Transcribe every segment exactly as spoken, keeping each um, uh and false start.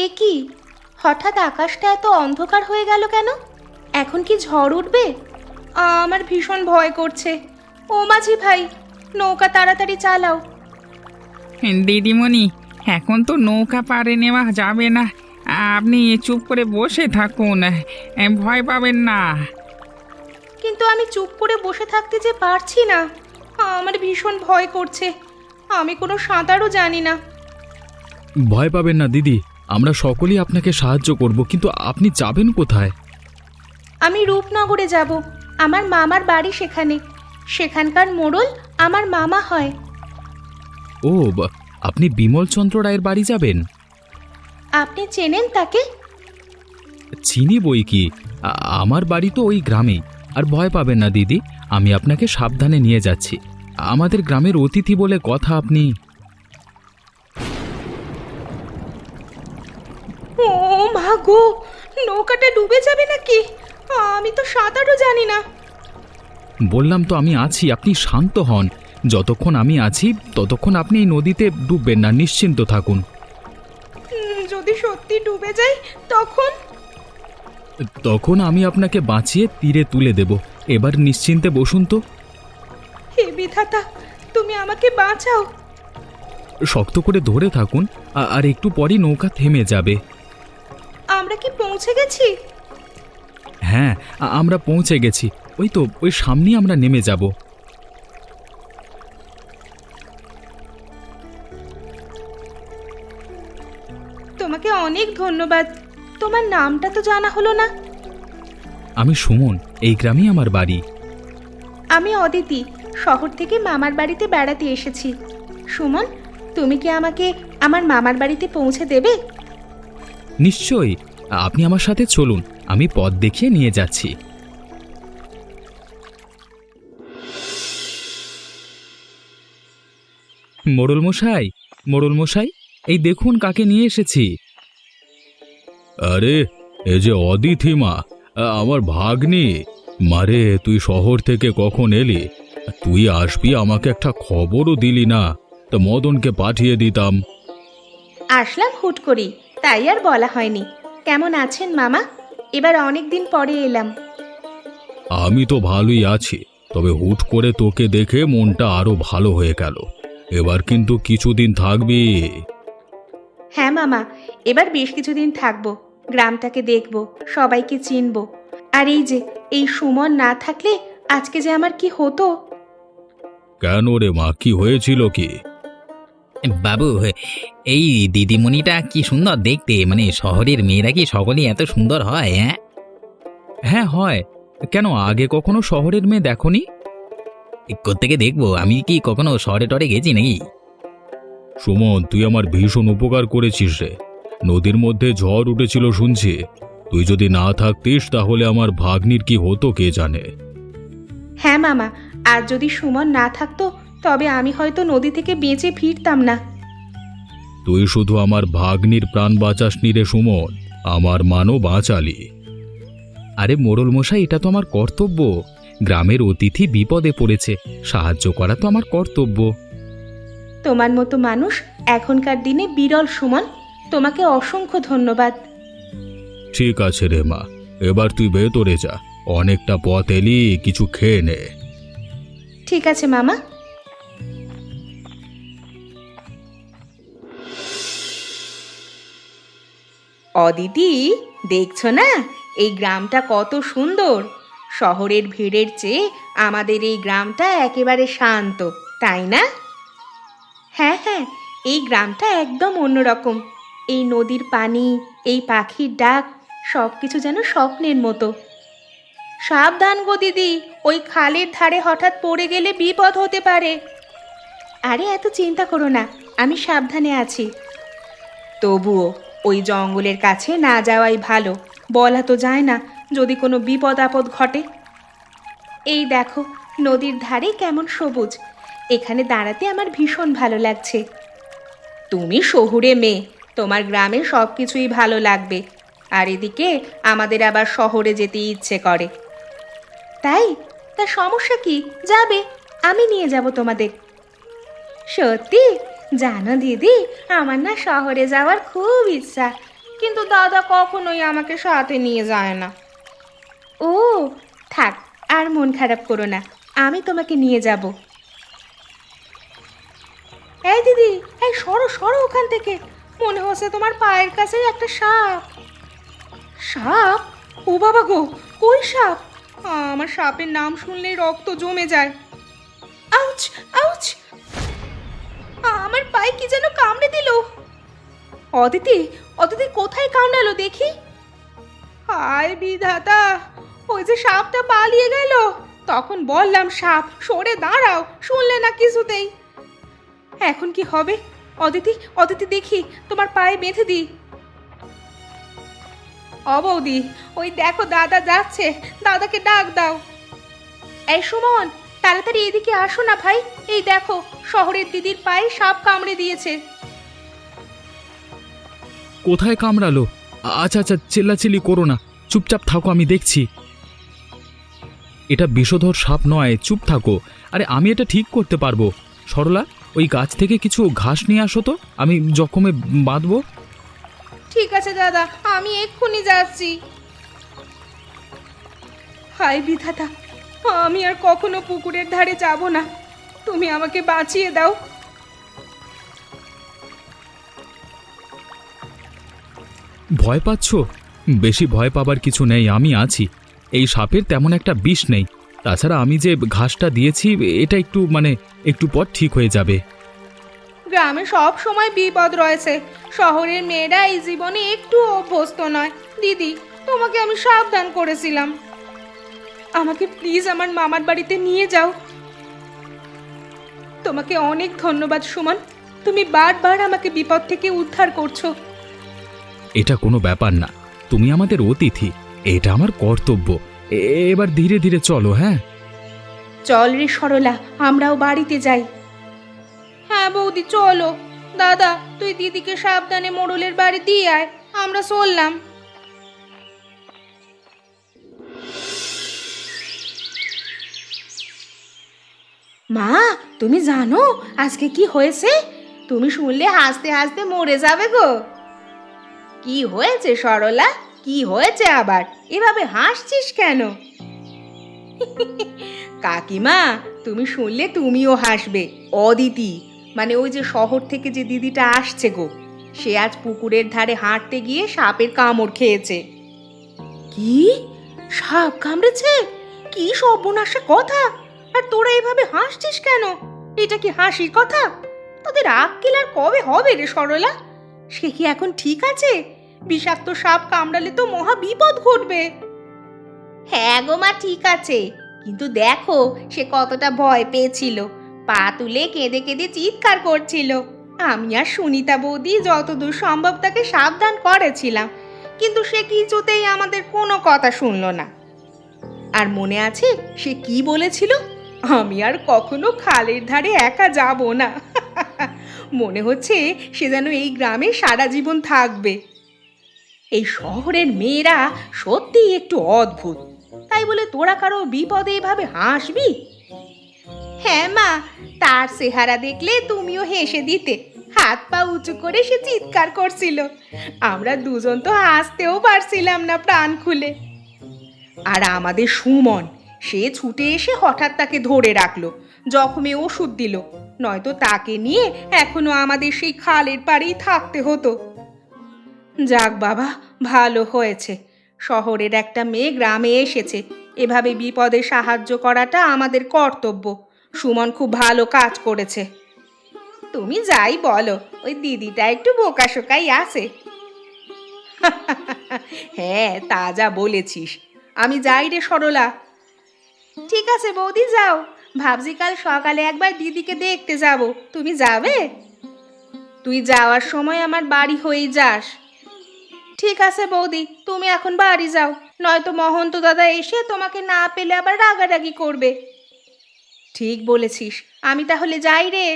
এ কি, হঠাৎ আকাশটা এত অন্ধকার হয়ে গেল কেন? এখন কি ঝড় উঠবে? আমার ভীষণ ভয় করছে। ও মাঝি ভাই, নৌকা তাড়াতাড়ি চালাও। দিদিমণি, এখন তো নৌকা পাড়ে নেওয়া যাবে না। আপনি চুপ করে বসে থাকুন, এ, ভয় পাবেন না। কিন্তু আমি চুপ করে বসে থাকতে যে পারছি না। আমার ভীষণ ভয় করছে। আমি কোনো সাঁতারও জানি না। ভয় পাবেন না দিদি, আমরা সকলেই আপনাকে সাহায্য করব, কিন্তু আপনি যাবেন কোথায়? আমি রূপনগরে যাব। আমার মামার বাড়ি সেখানে। সেখানকার মোড়ল আমার মামা হয়। ও বা- আপনি বিমলচন্দ্র রায়ের বাড়ি যাবেন? আপনি চেনেন তাকে? চিনি বই কি, আ- আমার বাড়ি তো ওই গ্রামেই। আর ভয় পাবেন না দিদি, আমি আপনাকে সাবধানে নিয়ে যাচ্ছি। আমাদের গ্রামের অতিথি বলে কথা আপনি। ও মা গো, নৌকাটা ডুবে যাবে নাকি? আমি তো সাঁতারও জানি না। বললাম তো আমি আছি, আপনি শান্ত হন। যতক্ষণ আমি আছি ততক্ষণ আপনি এই নদীতে ডুববেন না, নিশ্চিন্ত থাকুন। উম, যদি সত্যি ডুবে যাই তখন? তখন আমি আপনাকে বাঁচিয়ে তীরে তুলে দেব। এবার নিশ্চিন্তে বসুন তো। হে বিধাতা, তুমি আমাকে বাঁচাও। শক্ত করে ধরে থাকুন, আ- আর একটু পরই নৌকা থেমে যাবে। আমরা কি পৌঁছে গেছি? হ্যাঁ, আ- আমরা পৌঁছে গেছি। ওই তো ওই সামনেই আমরা নেমে যাব। তোমাকে অনেক ধন্যবাদ। তোমার নামটা তো জানা হলো না। আমি সুমন, এই গ্রামেই আমার বাড়ি। আমি অদিতি, শহর থেকে মামার বাড়িতে বেড়াতে এসেছি। সুমন, তুমি কি আমাকে আমার মামার বাড়িতে পৌঁছে দেবে? নিশ্চয়ই, আপনি আমার সাথে চলুন, আমি পথ দেখিয়ে নিয়ে যাচ্ছি। মোড়ল মশাই, মোড়ল মশাই, এই দেখুন কাকে নিয়ে এসেছি। আরে, এ যে অদিতি মা, আমার ভাগ্নি। মারে, তুই শহর থেকে কখন এলি? তুই আসবি আমাকে একটা খবরও দিলি না, তো মদনকে পাঠিয়ে দিতাম। আসলাম হুট করেই, তাই আর বলা হয়নি। কেমন আছেন মামা? এবার অনেক দিন পরে এলাম। আমি তো ভালোই আছি, তবে হুট করে তোকে দেখে মনটা আরো ভালো হয়ে গেল। এবার কিন্তু কিছুদিন থাকবি। হ্যাঁ মামা, এবার বেশ কিছুদিন থাকবো। গ্রামটাকে দেখবো, সবাইকে চিনবো। আর এই যে এই সুমন না থাকলে আজকে যে আমার কি হতো। কেন রে মা, কি হয়েছিল কি? বাবু, এই দিদিমণিটা কি সুন্দর দেখতে। মানে শহরের মেয়েরা কি সকলেই এত সুন্দর হয়? হ্যাঁ হ্যাঁ হয়। কেন, আগে কখনো শহরের মেয়ে দেখনি? কোত্থেকে দেখবো? আমি কি কখনো শহরে টরে গেছি নাকি? সুমন, তুই আমার ভীষণ উপকার করেছিস রে। নদীর মধ্যে ঝড় উঠেছিল শুনছি। তুই যদি না থাকতিস তাহলে আমার ভাগ্নির কি হতো কে জানে। হ্যাঁ মামা, আর যদি সুমন না থাকতো তবে আমি হয়তো নদী থেকে বেঁচে ফিরতাম না। তুই শুধু আমার ভাগ্নির প্রাণ বাঁচাসনি রে সুমন, আমার মানও বাঁচালি। আরে মোড়ল মশাই, এটা তো আমার কর্তব্য। গ্রামের অতিথি বিপদে পড়েছে, সাহায্য করা তো আমার কর্তব্য। তোমার মতো মানুষ এখনকার দিনে বিরল সুমন। তোমাকে অসংখ্য ধন্যবাদ। ঠিক আছে রে মা, এবার তুই ভেতরে যা। অনেকটা পথ এলি, কিছু খেয়ে নে। ঠিক আছে মামা। অদিতি, দেখছো না এই গ্রামটা কত সুন্দর? শহরের ভিড়ের চেয়ে আমাদের এই গ্রামটা একেবারে শান্ত, তাই না? হ্যাঁ হ্যাঁ, এই গ্রামটা একদম অন্যরকম। এই নদীর পানি, এই পাখির ডাক, সব কিছু যেন স্বপ্নের মতো। সাবধান গো দিদি, ওই খালের ধারে হঠাৎ পড়ে গেলে বিপদ হতে পারে। আরে এত চিন্তা করো না, আমি সাবধানে আছি। তবুও ওই জঙ্গলের কাছে না যাওয়াই ভালো। বলা তো যায় না যদি কোনো বিপদ আপদ ঘটে। এই দেখো নদীর ধারে কেমন সবুজ। এখানে দাঁড়াতে আমার ভীষণ ভালো লাগছে। তুমি শহুরে মেয়ে, তোমার গ্রামে সব কিছুই ভালো লাগবে। আর এদিকে আমাদের আবার শহরে যেতে ইচ্ছে করে। তাই? তা সমস্যা কি? যাবে, আমি নিয়ে যাব তোমাদের। সত্যি? জানো দিদি, আমার না শহরে যাওয়ার খুব ইচ্ছা। কিন্তু দাদা কখনোই আমাকে সাথে নিয়ে যায় না। ও থাক, আর মন খারাপ করো না, আমি তোমাকে নিয়ে যাব। এই দিদি, এই সরো সরো ওখান থেকে, মনে হচ্ছে তোমার পায়ের কাছে একটা সাপ। সাপ? ও বাবা গো, কই সাপ? আমার সাপের নাম শুনলেই রক্ত জমে যায়। আউচ আউচ, আমার পায়ে কি যেন কামড়ে দিল। অদিতি, অদিতি কোথায় কামড়ালো দেখি। হায় বিধাতা, ওই যে সাপটা পালিয়ে গেল। তখন বললাম সাপ, সরে দাঁড়াও, শুনলে না কিছুতেই। এখন কি হবে? অদিতি, অদিতি দেখি তোমার পায়ে বেঁধে দিই। ও বৌদি, ওই দেখো দাদা যাচ্ছে, দাদাকে ডাক দাও। এই সুমন, তাড়াতাড়ি এদিকে আসো না ভাই, এই দেখো শহরের দিদির পায়ে সাপ কামড়ে দিয়েছে। কোথায় কামড়ালো? আচ্ছা আচ্ছা, চিল্লাচিল্লি করো না, চুপচাপ থাকো, আমি দেখছি। এটা বিষধর সাপ নয়, চুপ থাকো। আরে আমি এটা ঠিক করতে পারবো। সরলা, ওই গাছ থেকে কিছু ঘাস নিয়ে আসো তো, আমি জখমে বাঁধবো। ঠিক আছে দাদা, আমি এক্ষুনি যাচ্ছি। হায় বিধাতা, আমি আর কখনো পুকুরের ধারে যাব না, তুমি আমাকে বাঁচিয়ে দাও। ভয় পাচ্ছ? বেশি ভয় পাবার কিছু নেই, আমি আছি। এই সাপের তেমন একটা বিষ নেই। তাছাড়া আমি যে ঘাসটা দিয়েছি, এটা একটু মানে একটু পর ঠিক হয়ে যাবে। গ্রামে সব সময় বিপদ রয়েছে, শহরের মেয়েরা এই জীবনে একটু অভ্যস্ত নয়। দিদি, তোমাকে আমি সাবধান করেছিলাম, আমাকে প্লিজ আমার মামার বাড়িতে নিয়ে যাও। তোমাকে অনেক ধন্যবাদ সুমন, তুমি বারবার আমাকে বিপদ থেকে উদ্ধার করছো। এটা কোনো ব্যাপার না, তুমি আমাদের অতিথি, এটা আমার কর্তব্য। এ- এবার ধীরে ধীরে চলো। হ্যাঁ চল রে সরলা, আমরাও বাড়িতে যাই। হ্যাঁ বৌদি চলো। দাদা, তুই দিদিকে সাবধানে মোড়লের বাড়ি দিয়ে আয়, আমরা চললাম। মা, তুমি জানো আজকে কি হয়েছে? তুমি শুনলে হাসতে হাসতে মরে যাবে গো। কি হয়েছে সরলা, কি হয়েছে আবার? এভাবে হাসছিস কেন? কাকিমা, তুমি শুনলে তুমিও হাসবে। অদিতি, মানে ওই যে শহর থেকে যে দিদিটা আসছে গো, সে আজ পুকুরের ধারে হাঁটতে গিয়ে সাপের কামড় খেয়েছে। কি? সাপ কামড়েছে? কি সর্বনাশা কথা! আর তোরা এভাবে হাসছিস কেন? এটা কি হাসির কথা? তোদের আক্কেল আর কবে হবে রে সরলা? সে কি এখন ঠিক আছে? বিষাক্ত সাপ কামড়ালে তো মহা বিপদ ঘটবে। হ্যাঁ গো মা, ঠিক আছে, কিন্তু দেখো সে কতটা ভয় পেয়েছিল, পা তুলে কেঁদে কেঁদে চিৎকার করছিল। আমি আর সুনিতা বৌদি যতদূর সম্ভব তাকে সাবধান করেছিলাম, কিন্তু সে কিছুতেই আমাদের কোনো কথা শুনলো না। আর মনে আছে সে কি বলেছিল? আমি আর কখনো খালের ধারে একা যাব না। মনে হচ্ছে সে যেন এই গ্রামে সারা জীবন থাকবে। এই শহরের মেয়েরা সত্যিই একটু অদ্ভুত, তাই বলে তোরা কারো বিপদে এভাবে হাসবি? হ্যাঁ মা, তার চেহারা দেখলে তুমিও হেসে দিতে। হাত পা উঁচু করে সে চিৎকার করছিল, আমরা দুজন তো হাসতেও পারছিলাম না প্রাণ খুলে। আর আমাদের সুমন, সে ছুটে এসে হঠাৎ তাকে ধরে রাখলো, জখমে ওষুধ দিল, নয়তো তাকে নিয়ে এখনো আমাদের সেই খালের পাড়েই থাকতে হতো। যাক বাবা, ভালো হয়েছে শহরের একটা মেয়ে গ্রামে এসেছে, এভাবে বিপদে সাহায্য করাটা আমাদের কর্তব্য। সুমন খুব ভালো কাজ করেছে। তুমি যাই বলো, ওই দিদিটা একটু বোকাশোকাই আছে। হ্যাঁ, তা যা বলেছিস। আমি যাই রে সরলা। ঠিক আছে বৌদি, যাও। ভাবছি কাল সকালে একবার দিদিকে দেখতে যাব, তুমি যাবে? তুই যাওয়ার সময় আমার বাড়ি হয়েই যাস। ঠিক আছে বৌদি, তুমি এখন বাড়ি যাও, নয়তো মহন্ত দাদা এসে তোমাকে না পেলে আবার রাগারাগি করবে। ঠিক বলেছিস, আমি তাহলে যাই রে।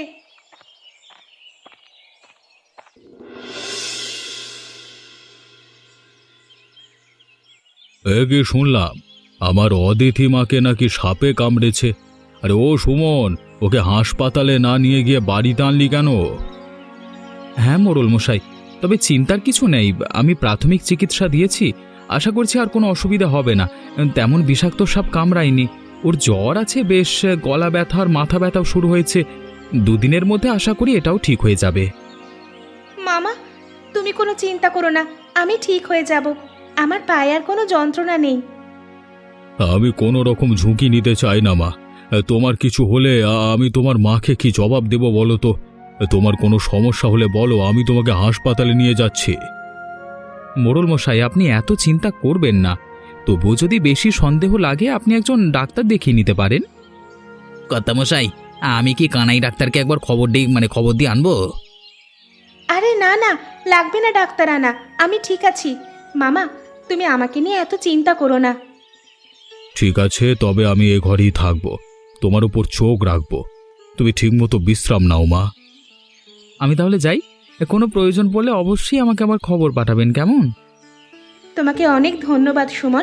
এ কি শুনলাম, আমার অতিথি মাকে নাকি সাপে কামড়েছে? আরে ও সুমন, ওকে হাসপাতালে না নিয়ে গিয়ে বাড়িতে আনলি কেন? হ্যাঁ মোড়ল মশাই, তবে চিন্তার কিছু নেই, আমি প্রাথমিক চিকিৎসা দিয়েছি, আশা করছি আর কোনো অসুবিধা হবে না। তেমন বিষাক্ত সাপ কামড়ায়নি। ওর জ্বর আছে বেশ, গলা ব্যথা আর মাথা ব্যথাও শুরু হয়েছে। দুদিনের মধ্যে আশা করি এটাও ঠিক হয়ে যাবে। মামা, তুমি কোনো চিন্তা করো না, আমি ঠিক হয়ে যাব। আমার পায়ে আর কোনো যন্ত্রণা নেই। আমি কোনো রকম ঝুঁকি নিতে চাই না মা। তোমার কিছু হলে আ- আমি তোমার মাকে কি জবাব দেব বলো তো? তোমার কোনো সমস্যা হলে বলো, আমি তোমাকে হাসপাতালে নিয়ে যাচ্ছি। মোড়ল মশাই, আপনি এত চিন্তা করবেন না। তবুও যদি বেশি সন্দেহ লাগে আপনি একজন ডাক্তার দেখিয়ে নিতে পারেন। কর্তামশাই, আমি কি কানাই ডাক্তারকে একবার খবর দিই, মানে খবর দিয়ে আনবো? আরে না না, লাগবে না ডাক্তার আনা, আমি ঠিক আছি। মামা, তুমি আমাকে নিয়ে এত চিন্তা করো না। ঠিক আছে, তবে আমি এ ঘরেই থাকবো, তোমার উপর চোখ রাখবো। তুমি ঠিকমতো বিশ্রাম নাও মা। আমি তাহলে যাই। কোনো প্রয়োজন পড়লে অবশ্যই আমাকে আবার খবর পাঠাবেন, কেমন? তোমাকে অনেক ধন্যবাদ সুমন।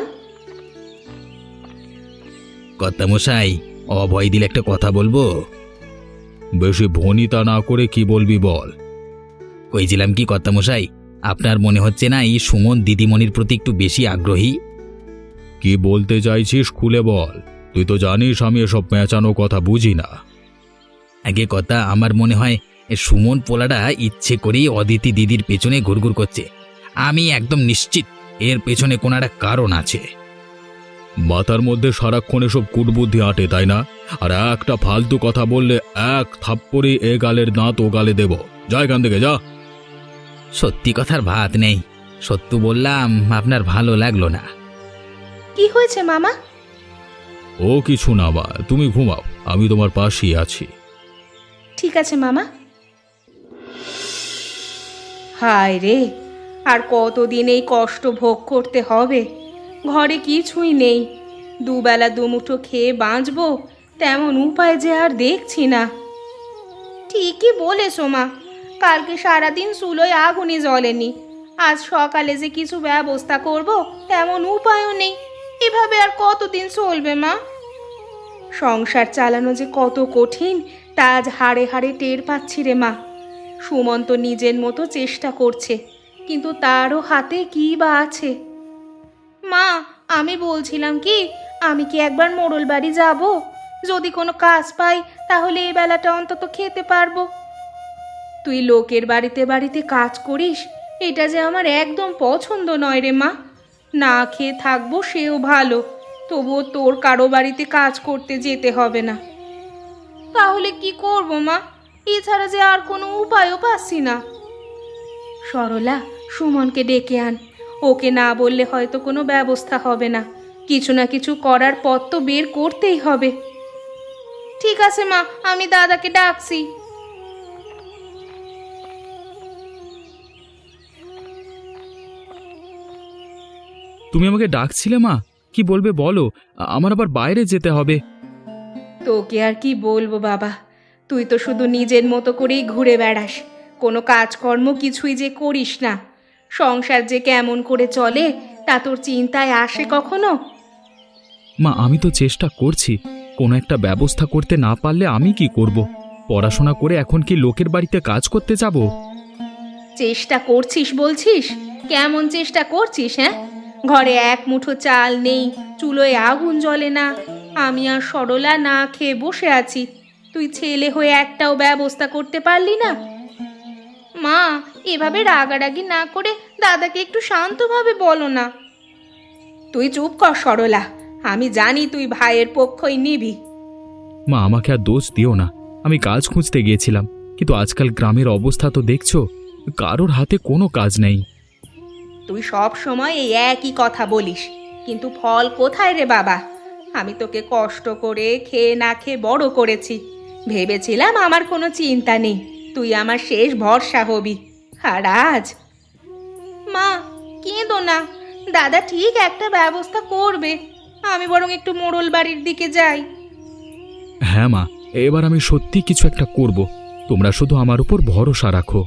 কর্তামশাই, অভয় দিলে একটা কথা বলবো। বেশি ভনিতা না করে কি বলবি বল। কইছিলাম কি কর্তামশাই, আপনার মনে হচ্ছে না এই সুমন দিদিমণির প্রতি একটু বেশি আগ্রহী? কি বলতে চাইছিস খুলে বল। তুই তো জানিস আমি এসব পেঁচানো কথা বুঝি না। আগে কথা, আমার মনে হয় এ সুমন পোলাটা ইচ্ছে করেই অদিতি দিদির পেছনে ঘুরঘুর করছে। আমি একদম নিশ্চিত এর পেছনে কোনো একটা কারণ আছে। মাথার মধ্যে সারাক্ষণ এসব কুটবুদ্ধি আটে, তাই না? আর একটা ফালতু কথা বললে এক থাপ্পড়ে এ গালের দাঁত ও গালে দেব। যা এখান থেকে, যা। সত্যি কথার ভাত নেই, সত্য বললাম, আপনার ভালো লাগলো না। কি হয়েছে মামা? ও কিছু না মা, তুমি ঘুমাও, আমি তোমার পাশেই আছি। ঠিক আছে মামা। হায় রে, আর কতদিন এই কষ্ট ভোগ করতে হবে? ঘরে কিছুই নেই, দুবেলা দুমুঠো খেয়ে বাঁচবো তেমন উপায় যে আর দেখছি না। ঠিকই বলেছো মা, কালকে সারাদিন চুলোয় আগুনই জ্বলেনি। আজ সকালে যে কিছু ব্যবস্থা করব তেমন উপায়ও নেই। এভাবে আর কতদিন চলবে মা? সংসার চালানো যে কত কঠিন তা আজ হাড়ে হাড়ে টের পাচ্ছি রে মা। সুমন্ত নিজের মতো চেষ্টা করছে, কিন্তু তারও হাতে কী বা আছে। মা, আমি বলছিলাম কি, আমি কি একবার মোড়ল বাড়ি যাব? যদি কোনো কাজ পাই তাহলে এই বেলাটা অন্তত খেতে পারবো। তুই লোকের বাড়িতে বাড়িতে কাজ করিস, এটা যে আমার একদম পছন্দ নয় রে মা। না খেয়ে থাকবো সেও ভালো, তবুও তোর কারো বাড়িতে কাজ করতে যেতে হবে না। তাহলে কি করব মা? এছাড়া যে আর কোনো উপায়ও পাচ্ছি না। সরলা, সুমনকে ডেকে আন। ওকে না বললে হয়তো কোনো ব্যবস্থা হবে না। কিছু না কিছু করার পথ তো বের করতেই হবে। ঠিক আছে মা, আমি দাদাকে ডাকছি। তুমি আমাকে ডাকছিলে মা? কি বলবে বলো, আমার আবার বাইরে যেতে হবে। তোকে আর কি বলবো বাবা, তুই তো শুধু নিজের মতো করেই ঘুরে বেড়াস, কোনো কাজকর্ম কিছুই যে করিস না। সংসার যে কেমন করে চলে তা তোর চিন্তায় আসে কখনো? মা, আমি তো চেষ্টা করছি, কোনো একটা ব্যবস্থা করতে না পারলে আমি কি করব? পড়াশোনা করে এখন কি লোকের বাড়িতে কাজ করতে যাব? চেষ্টা করছিস বলছিস? কেমন চেষ্টা করছিস? হ্যাঁ, ঘরে এক মুঠো চাল নেই, চুলোয় আগুন জ্বলে না, আমি আর সরলা না খেয়ে বসে আছি। তুই ছেলে হয়ে একটাও ব্যবস্থা করতে পারলি না? মা, এভাবে রাগারাগি না করে দাদাকে একটু শান্তভাবে বলো না। তুই চুপ কর সরলা, আমি জানি তুই ভাইয়ের পক্ষই নিবি। মা, আমাকে আর দোষ দিও না। আমি কাজ খুঁজতে গিয়েছিলাম, কিন্তু আজকাল গ্রামের অবস্থা তো দেখছো, কারোর হাতে কোনো কাজ নেই। তুই সব সময় এই একই কথা বলিস, কিন্তু ফল কোথায় রে বাবা? আমি তোকে কষ্ট করে খেয়ে না খেয়ে বড় করেছি, ভেবেছিলাম আমার কোনো চিন্তা নেই, তুই আমার শেষ ভরসা হবি। আর আজ? মা, কেঁদো না, দাদা ঠিক একটা ব্যবস্থা করবে। আমি বরং একটু মোড়ল বাড়ির দিকে যাই। হ্যাঁ মা, এবার আমি সত্যি কিছু একটা করব, তোমরা শুধু আমার উপর ভরসা রাখো।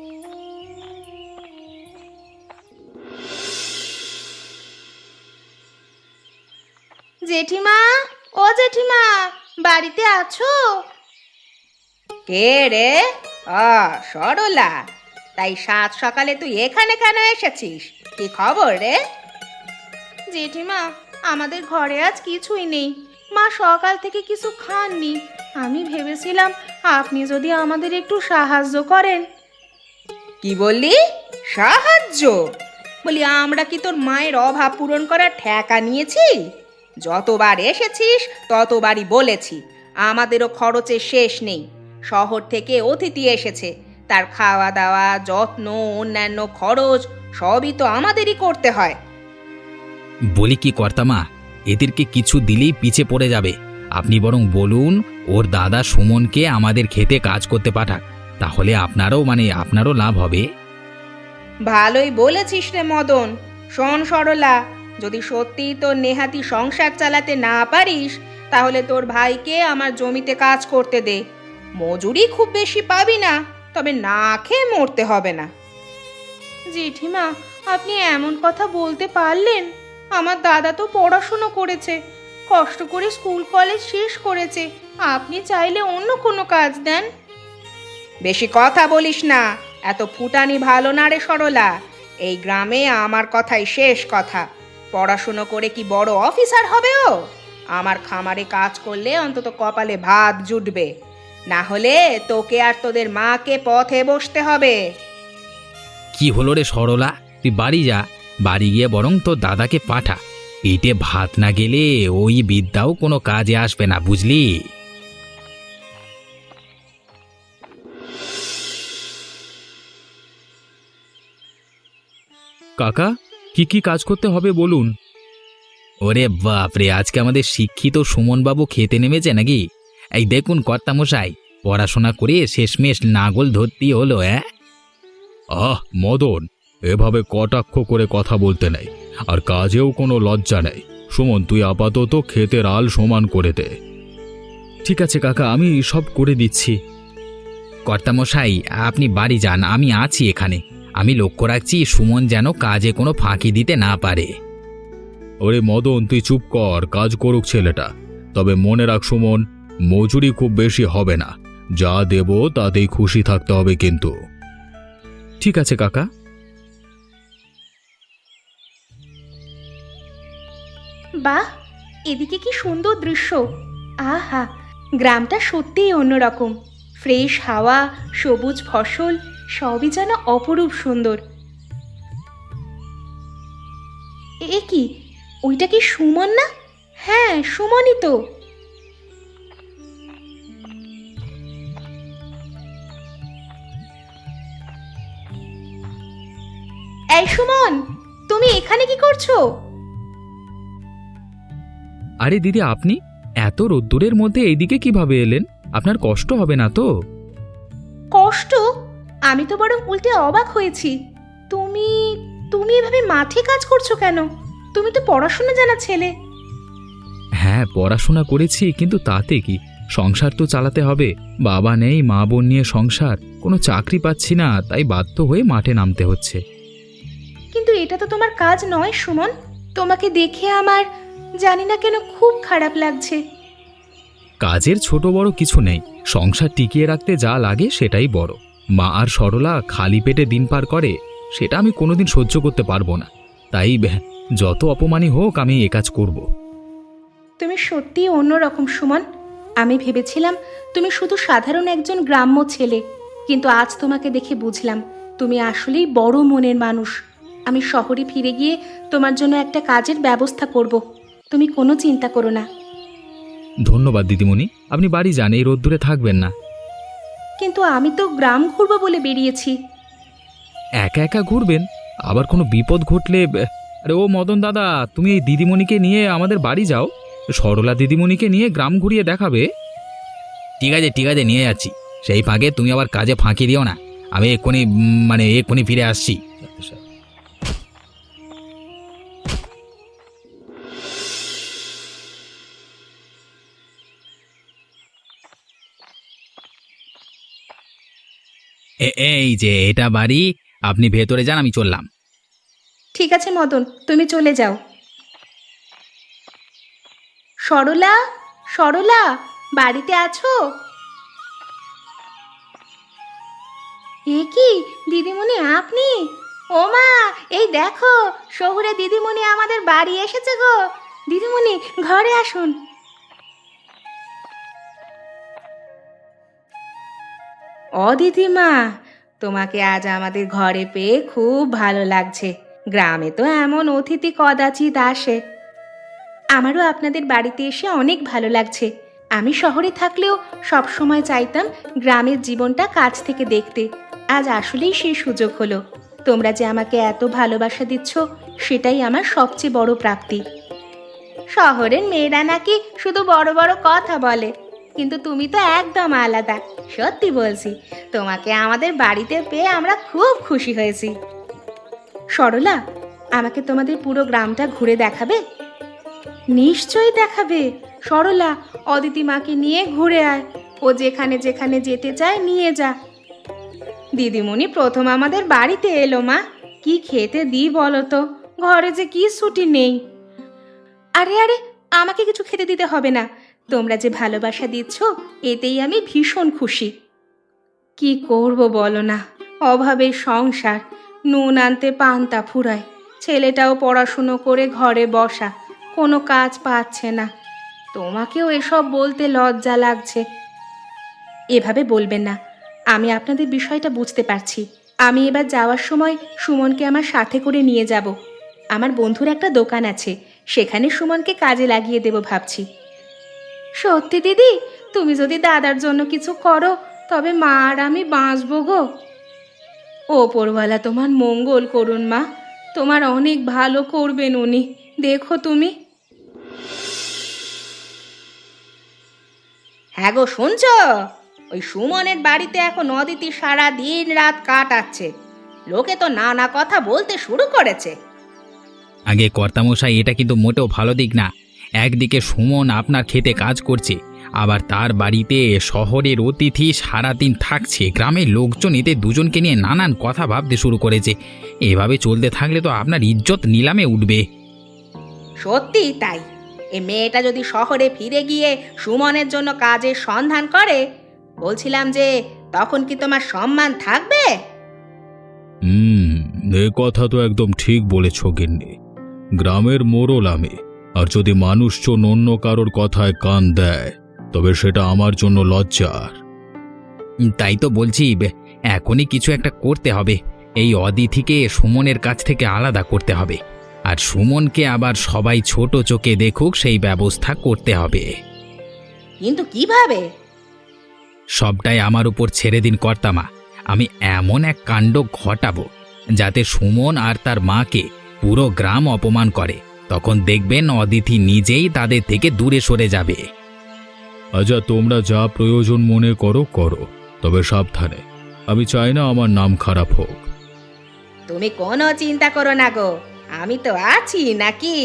জেঠিমা, ও জেঠিমা, বাড়িতে আছো? কে রে? আ, সরলা, তাই সাত সকালে তুই এখানে কেন এসেছিস? কি খবর রে? জেঠিমা, আমাদের ঘরে আজ কিছুই নেই। মা সকাল থেকে কিছু খাননি। আমি ভেবেছিলাম আপনি যদি আমাদের একটু সাহায্য করেন। কি বললি? সাহায্য? বলি আমরা কি তোর মায়ের অভাব পূরণ করার ঠেকা নিয়েছি? যতবার এসেছিস ততবারই বলেছি আমাদেরও খরচের শেষ নেই। শহর থেকে অতিথি এসেছে, তার খাওয়া দাওয়া, যত্ন, অন্যান্য খরচ সবই তো আমাদেরই করতে হয়। বলি কি কর্তামা, এদেরকে কিছু দিলেই পিছে পড়ে যাবে। আপনি বরং বলুন ওর দাদা সুমনকে আমাদের খেতে কাজ করতে পাঠাক, তাহলে আপনারও মানে আপনারও লাভ হবে। ভালোই বলেছিস রে মদন। শোন সরলা, যদি সত্যি তোর নেহাতি সংসার চালাতে না পারিস তাহলে তোর ভাইকে আমার জমিতে কাজ করতে দে। মজুরি খুব বেশি পাবি না, তবে না খেয়ে মরতে হবে না। জেঠিমা, আপনি এমন কথা বলতে পারলেন? আমার দাদা তো পড়াশুনো করেছে, কষ্ট করে স্কুল কলেজ শেষ করেছে। আপনি চাইলে অন্য কোনো কাজ দেন। বেশি কথা বলিস না, এত ফুটানি ভালো না রে সরলা। এই গ্রামে আমার কথাই শেষ কথা। পড়াশুনো করে কি বড় অফিসার হবে ও? আমার খামারে কাজ করলে অন্তত কপালে ভাত জুটবে, না হলে তোকে আর তোদের মাকে পথে বসতে হবে। কি হলো রে সরলা, তুই বাড়ি যা, বাড়ি গিয়ে বরং তোর দাদাকে পাঠা। পেটে ভাত না গেলে ওই বিদ্যাও কোনো কাজে আসবে না, বুঝলি? কাকা, কি কি কাজ করতে হবে বলুন। ওরে বাপরে, আজকে আমাদের শিক্ষিত সুমনবাবু খেতে নেমেছে নাকি? এই দেখুন কর্তামশাই, পড়াশোনা করে শেষমেশ নাগল ধরতেই হলো। হ্যাঁ, আহ মদন, এভাবে কটাক্ষ করে কথা বলতে নেই, আর কাজেও কোনো লজ্জা নেই। সুমন, তুই আপাতত ক্ষেতের আল সমান করে দে। ঠিক আছে কাকা, আমি সব করে দিচ্ছি। কর্তামশাই আপনি বাড়ি যান, আমি আছি এখানে। আমি লক্ষ্য রাখছি সুমন যেন কাজে কোনো ফাঁকি দিতে না পারে। ওরে মদন, তুই চুপ কর, কাজ করুক ছেলেটা। তবে মনে রাখ সুমন, মজুরি খুব বেশি হবে না, যা দেব তাতেই খুশি থাকতে হবে কিন্তু। ঠিক আছে কাকা। বাহ, এদিকে কি সুন্দর দৃশ্য! আহা, গ্রামটা সত্যিই অন্যরকম। ফ্রেশ হাওয়া, সবুজ ফসল, সবই যেন অপরূপ সুন্দর। এ কি, ওইটা কি সুমন না? হ্যাঁ, সুমনই তো। এই সুমন, তুমি এখানে কি করছো? আরে দিদি, আপনি এত রোদ্দুরের মধ্যে এইদিকে কিভাবে এলেন? আপনার কষ্ট হবে না তো? কষ্ট? আমি তো বরং উল্টে অবাক হয়েছি। তুমি তুমি এভাবে মাঠে কাজ করছো কেন? তুমি তো পড়াশোনা জানা ছেলে। হ্যাঁ, পড়াশোনা করেছি, কিন্তু তাতে কি, সংসার তো চালাতে হবে। বাবা নেই, মা বোন নিয়ে সংসার, কোনো চাকরি পাচ্ছি না, তাই বাধ্য হয়ে মাঠে নামতে হচ্ছে। কিন্তু এটা তো তোমার কাজ নয় সুমন। তোমাকে দেখে আমার জানি না কেন খুব খারাপ লাগছে। কাজের ছোট বড় কিছু নেই, সংসার টিকিয়ে রাখতে যা লাগে সেটাই বড়। মা আর সরলা খালি পেটে দিন পার করে, সেটা আমি কোনোদিন সহ্য করতে পারবো না। তাই ব্যাহ, যত অপমানই হোক আমি এ কাজ করব। তুমি সত্যিই অন্যরকম সুমন। আমি ভেবেছিলাম তুমি শুধু সাধারণ একজন গ্রাম্য ছেলে, কিন্তু আজ তোমাকে দেখে বুঝলাম তুমি আসলেই বড় মনের মানুষ। আমি শহরে ফিরে গিয়ে তোমার জন্য একটা কাজের ব্যবস্থা করব, তুমি কোনো চিন্তা করো না। ধন্যবাদ দিদিমণি, আপনি বাড়ি যান, এই রোদ্দুরে থাকবেন না। কিন্তু আমি তো গ্রাম ঘুরবো বলে বেরিয়েছি। একা একা ঘুরবেন? আবার কোনো বিপদ ঘটলে? ব্যাহ, আরে ও মদন দাদা, তুমি এই দিদিমণিকে নিয়ে আমাদের বাড়ি যাও, সরলা দিদিমণিকে নিয়ে গ্রাম ঘুরিয়ে দেখাবে। ঠিক আছে ঠিক আছে, নিয়ে যাচ্ছি। সেই ফাঁকে তুমি আবার কাজে ফাঁকি দিও না। আমি এক্ষুনি উম, মানে এক্ষুনি ফিরে আসছি। এ- এই যে এটা বাড়ি, আপনি ভেতরে যান, আমি চললাম। ঠিক আছে মদন, তুমি চলে যাও। সরলা, সরলা, বাড়িতে আছো? এ কি দিদিমণি আপনি? ও মা, এই দেখো শহুরে দিদিমণি আমাদের বাড়ি এসেছে গো। দিদিমণি ঘরে আসুন। ও দিদিমা, তোমাকে আজ আমাদের ঘরে পেয়ে খুব ভালো লাগছে। গ্রামে তো এমন অতিথি কদাচিৎ আসে। আমারও আপনাদের বাড়িতে এসে অনেক ভালো লাগছে। আমি শহরে থাকলেও সব সময় চাইতাম গ্রামের জীবনটা কাছ থেকে দেখতে। আজ আসলেই সেই সুযোগ হলো। তোমরা যে আমাকে এত ভালোবাসা দিচ্ছ, সেটাই আমার সবচেয়ে বড় প্রাপ্তি। শহরের মেয়েরা নাকি শুধু বড় বড় কথা বলে, কিন্তু তুমি তো একদম আলাদা। সত্যি বলছি, তোমাকে আমাদের বাড়িতে পেয়ে আমরা খুব খুশি হয়েছি। সরলা, আমাকে তোমাদের পুরো গ্রামটা ঘুরে দেখাবে? নিশ্চয়ই দেখাবে। সরলা, অদিতি মাকে নিয়ে ঘুরে আয়। ও যেখানে যেখানে যেতে চায় নিয়ে যা। দিদিমণি প্রথম আমাদের বাড়িতে এলো মা, কি খেতে দিই বলো তো? ঘরে যে কি ছুটি নেই। আরে আরে, আমাকে কিছু খেতে দিতে হবে না। তোমরা যে ভালোবাসা দিচ্ছ, এতেই আমি ভীষণ খুশি। কি করব বলো না, অভাবের সংসার। নুন আনতে পান্তা ফুরায়। ছেলেটাও পড়াশুনো করে ঘরে বসা, কোনো কাজ পাচ্ছে না। তোমাকেও এসব বলতে লজ্জা লাগছে। এভাবে বলবেন না, আমি আপনাদের বিষয়টা বুঝতে পারছি। আমি এবার যাওয়ার সময় সুমনকে আমার সাথে করে নিয়ে যাব। আমার বন্ধুর একটা দোকান আছে, সেখানে সুমনকে কাজে লাগিয়ে দেব ভাবছি। সত্যি দিদি, তুমি যদি দাদার জন্য কিছু করো, তবে মা আর আমি বাঁচবো গো। ওপরওয়ালা তোমার মঙ্গল করুন মা, তোমার অনেক ভালো করবেন উনি। দেখো তুমি। হ্যাঁ গো, শুনছ? ওই সুমনের বাড়িতে এখন অদিতি সারা দিন রাত কাটাচ্ছে। লোকে তো নানা কথা বলতে শুরু করেছে। আগে কর্তামশাই, এটা কিন্তু মোটেও ভালো দিক না। একদিকে সুমন আপনার খেতে কাজ করছে, আবার তার বাড়িতে শহরের অতিথি সারাদিন থাকছে। গ্রামের লোকজন এদের দুজনকে নিয়ে নানান কথা ভাবতে শুরু করেছে। এভাবে চলতে থাকলে তো আপনার ইজ্জত নিলামে উঠবে। সত্যি তাই। এ মেয়েটা যদি শহরে ফিরে গিয়ে সুমনের জন্য কাজের সন্ধান করে, বলছিলাম যে তখন কি তোমার সম্মান থাকবে? হুম, এ কথা তো একদম ঠিক বলেছ গিন্নি। গ্রামের মোড়ল আমি, আর যদি মানুষজন অন্য কারোর কথায় কান দেয়, তবে সেটা আমার জন্য লজ্জার। তাই তো বলছি, এখনই কিছু একটা করতে হবে। এই অদিতিকে সুমনের কাছ থেকে আলাদা করতে হবে, আর সুমনকে আবার সবাই ছোট চোখে দেখুক সেই ব্যবস্থা করতে হবে। কিন্তু কিভাবে? সবটাই আমার উপর ছেড়ে দিন কর্তামা। আমি এমন এক কাণ্ড ঘটাবো যাতে সুমন আর তার মাকে পুরো গ্রাম অপমান করে। তখন দেখবেন অদিতি নিজেই তাদের থেকে দূরে সরে যাবে। আচ্ছা, তোমরা যা প্রয়োজন মনে করো করো, তবে সাবধানে। আমি চাই না আমার নাম খারাপ হোক। তুমি কোনো চিন্তা করো না গো, আমি তো আছি নাকি।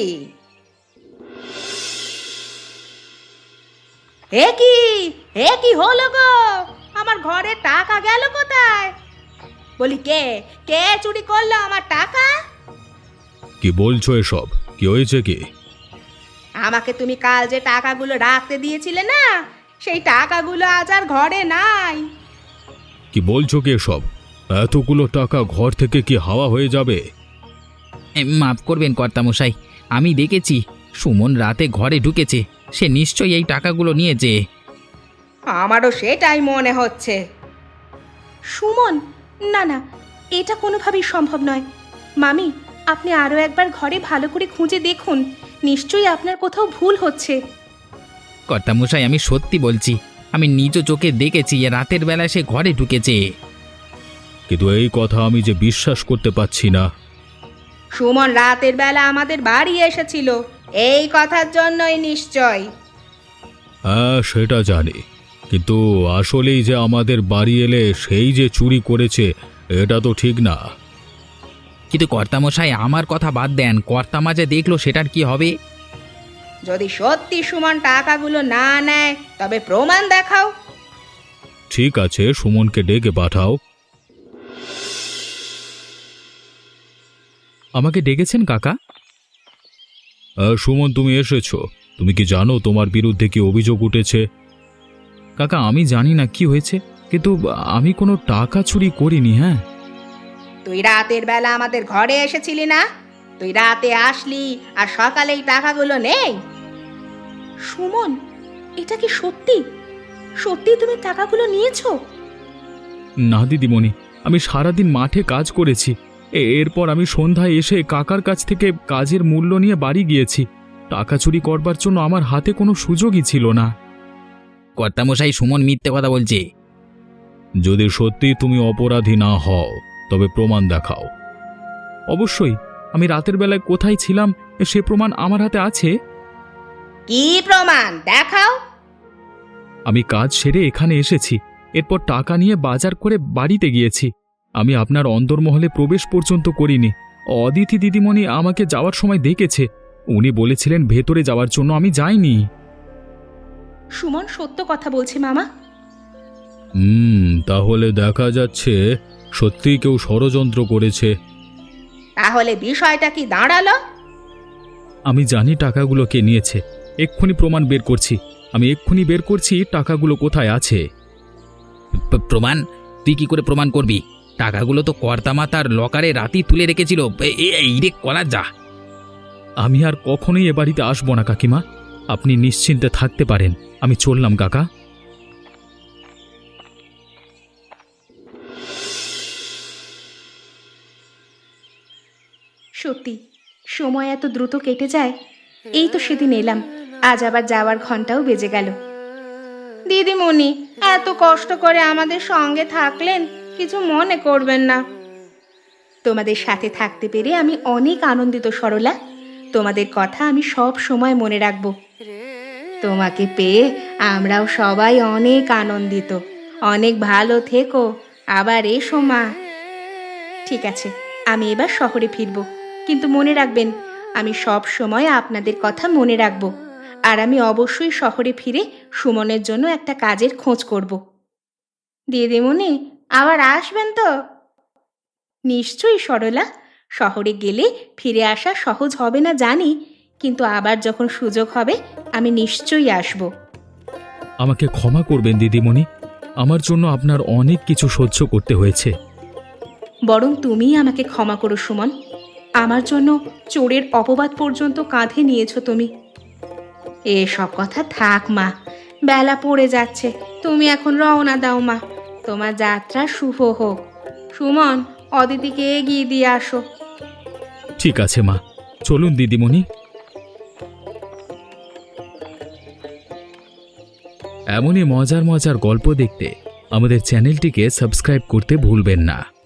হে কি হে কি হলো গো? আমার ঘরে টাকা গেল কোথায়? বলি, কে কে চুরি করলো আমার টাকা? কি বলছো এসব? কি হয়েছে কি? আমাকে তুমি কাল যে টাকাগুলো রাখতে দিয়েছিলে না, সেই টাকাগুলো আজ আর ঘরে নাই। কি বলছো কি এসব? এতগুলো টাকা ঘর থেকে কি হাওয়া হয়ে যাবে? এ, মাফ করবেন কর্তামশাই, আমি দেখেছি সুমন রাতে ঘরে ঢুকেছে। সে নিশ্চয়ই এই টাকাগুলো নিয়েছে। আমারও সেটাই মনে হচ্ছে। সুমন? না না, এটা কোনোভাবেই সম্ভব নয়। মামি, আপনি আরও একবার ঘরে ভালো করে খুঁজে দেখুন। নিশ্চয়ই আপনার কোথাও ভুল হচ্ছে। কর্তামশাই, আমি সত্যি বলছি, আমি নিজ চোখে দেখেছি এ রাতের বেলা সে ঘরে ঢুকেছে। কিন্তু এই কথা আমি যে বিশ্বাস করতে পারছি না। সুমন রাতের বেলা আমাদের বাড়ি এসেছিল, এই কথার জন্যই নিশ্চয়। হ্যাঁ, সেটা জানি, কিন্তু আসলেই যে আমাদের বাড়ি এলে সেই যে চুরি করেছে, এটা তো ঠিক না। কিন্তু কর্তামশাই, আমার কথা বাদ দেন, কর্তামা যে দেখলো সেটার কি হবে? যদি সত্যি সুমন টাকাগুলো না নেয়, তবে প্রমাণ দেখাও। ঠিক আছে, সুমনকে ডেকে পাঠাও। আমাকে ডেকেছেন কাকা? আহ, সুমন, তুমি এসেছো। তুমি কি জানো তোমার বিরুদ্ধে কি অভিযোগ উঠেছে? কাকা, আমি জানি না কি হয়েছে। কিন্তু আমি কোনো টাকা চুরি করিনি। হ্যাঁ, তুই রাতের বেলা আমাদের ঘরে এসেছিলি না? তুই রাতে আসলি আর সকালে এই টাকাগুলো নেই। সুমন, এটা কি সত্যি? সত্যি তুমি টাকাগুলো নিয়েছো? না দিদিমণি, আমি সারাদিন মাঠে কাজ করেছি। এ- এরপর আমি সন্ধ্যায় এসে কাকার কাছ থেকে কাজের মূল্য নিয়ে বাড়ি গিয়েছি। টাকা চুরি করবার জন্য আমার হাতে কোনো সুযোগই ছিল না। কর্তামশাই, সুমন মিথ্যে কথা বলছে। যদি সত্যি তুমি অপরাধী না হও তবে প্রমাণ দেখাও। অবশ্যই, আমি রাতের বেলায় কোথায় ছিলাম সে প্রমাণ আমার হাতে আছে। কি প্রমাণ দেখাও? আমি কাজ সেরে এখানে এসেছি, এরপর টাকা নিয়ে বাজার করে বাড়িতে গিয়েছি। আমি আপনার অন্দরমহলে প্রবেশ পর্যন্ত করিনি। অদিতি দিদিমণি আমাকে যাওয়ার সময় দেখেছে। উনি বলেছিলেন ভেতরে যাওয়ার জন্য, আমি যাইনি। সুমন সত্য কথা বলছে মামা। হুম, তাহলে দেখা যাচ্ছে সত্যি কেউ ষড়যন্ত্র করেছে। তাহলে বিষয়টা কি দাঁড়ালো? আমি জানি টাকাগুলো কে নিয়েছে। এক্ষুনি প্রমাণ বের করছি। আমি এক্ষুনি বের করছি টাকাগুলো কোথায় আছে। প- প্রমাণ? তুই কি করে প্রমাণ করবি? টাকাগুলো তো কর্তামা তার লকারে রাতেই তুলে রেখেছিল। এ- এ- এই রে কলা যা। আমি আর কখনোই এ বাড়িতে আসবো না কাকিমা, আপনি নিশ্চিন্তে থাকতে পারেন। আমি চললাম কাকা। সত্যি সময় এত দ্রুত কেটে যায়। এই তো সেদিন এলাম, আজ আবার যাওয়ার ঘন্টাও বেজে গেল। দিদিমণি, এত কষ্ট করে আমাদের সঙ্গে থাকলেন, কিছু মনে করবেন না। তোমাদের সাথে থাকতে পেরে আমি অনেক আনন্দিত সরলা। তোমাদের কথা আমি সব সময় মনে রাখব। তোমাকে পেয়ে আমরাও সবাই অনেক আনন্দিত। অনেক ভালো থেকো, আবার এসো মা। ঠিক আছে, আমি এবার শহরে ফিরব, কিন্তু মনে রাখবেন আমি সব সময় আপনাদের কথা মনে রাখব। আর আমি অবশ্যই শহরে ফিরে সুমনের জন্য একটা কাজের খোঁজ করব। দিদিমণি, আবার আসবেন তো? নিশ্চয়ই সরলা, শহরে গেলে ফিরে আসা সহজ হবে না জানি, কিন্তু আবার যখন সুযোগ হবে আমি নিশ্চয়ই আসব। আমাকে ক্ষমা করবেন দিদিমণি, আমার জন্য আপনার অনেক কিছু সহ্য করতে হয়েছে। বরং তুমিই আমাকে ক্ষমা করো সুমন। আমার জন্য চোরের অপবাদ পর্যন্ত কাঁধে নিয়েছো তুমি। এসব কথা থাক মা, বেলা পড়ে যাচ্ছে। তুমি এখন রওনা দাও মা, তোমার যাত্রা শুভ হোক। সুমন, অদিতিকে এগিয়ে দিয়ে আসো। ঠিক আছে মা, চলুন দিদিমণি। এমনই মজার মজার গল্প দেখতে আমাদের চ্যানেলটিকে সাবস্ক্রাইব করতে ভুলবেন না।